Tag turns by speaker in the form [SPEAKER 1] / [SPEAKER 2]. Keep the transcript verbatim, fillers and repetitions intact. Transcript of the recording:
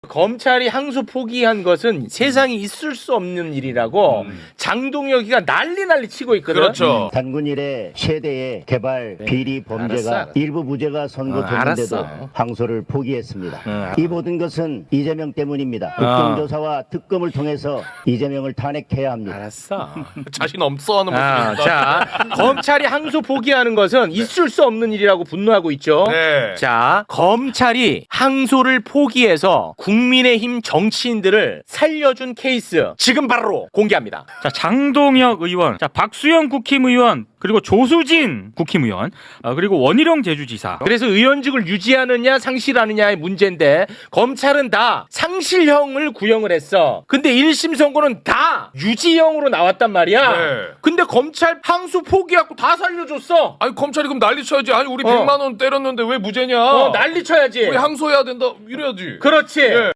[SPEAKER 1] 검찰이 항소 포기한 것은 세상에 있을 수 없는 일이라고
[SPEAKER 2] 음.
[SPEAKER 1] 장동혁이가 난리 난리 치고 있거든.
[SPEAKER 2] 그렇죠.
[SPEAKER 3] 단군 이래 최대의 개발 비리 범죄가
[SPEAKER 1] 알았어.
[SPEAKER 3] 일부 무죄가
[SPEAKER 1] 어,
[SPEAKER 3] 선고됐는데도
[SPEAKER 1] 알았어.
[SPEAKER 3] 항소를 포기했습니다.
[SPEAKER 1] 응,
[SPEAKER 3] 이 모든 것은 이재명 때문입니다.
[SPEAKER 1] 어.
[SPEAKER 3] 국정조사와 특검을 통해서 이재명을 탄핵해야 합니다.
[SPEAKER 1] 알았어.
[SPEAKER 2] 자신 없어 하는
[SPEAKER 1] 아,
[SPEAKER 2] 모습입니다.
[SPEAKER 1] 자, 검찰이 항소 포기하는 것은 있을 수 없는 일이라고 분노하고 있죠.
[SPEAKER 2] 네.
[SPEAKER 1] 자, 검찰이 항소를 포기해서 국민의힘 정치인들을 살려준 케이스 지금 바로 공개합니다.
[SPEAKER 4] 자, 장동혁 의원, 자, 박수영 국힘의원, 그리고 조수진 국힘의원, 어, 그리고 원희룡 제주지사.
[SPEAKER 1] 그래서 의원직을 유지하느냐 상실하느냐의 문제인데 검찰은 다 상실형을 구형을 했어. 근데 일 심 선고는 다 유지형으로 나왔단 말이야.
[SPEAKER 2] 네.
[SPEAKER 1] 근데 검찰 항소 포기하고 다 살려줬어.
[SPEAKER 2] 아니 검찰이 그럼 난리 쳐야지. 아니 우리
[SPEAKER 1] 어.
[SPEAKER 2] 백만 원 때렸는데 왜 무죄냐?
[SPEAKER 1] 어, 난리 쳐야지.
[SPEAKER 2] 우리 항소해야 된다. 이래야지.
[SPEAKER 1] 그렇지.
[SPEAKER 2] 예.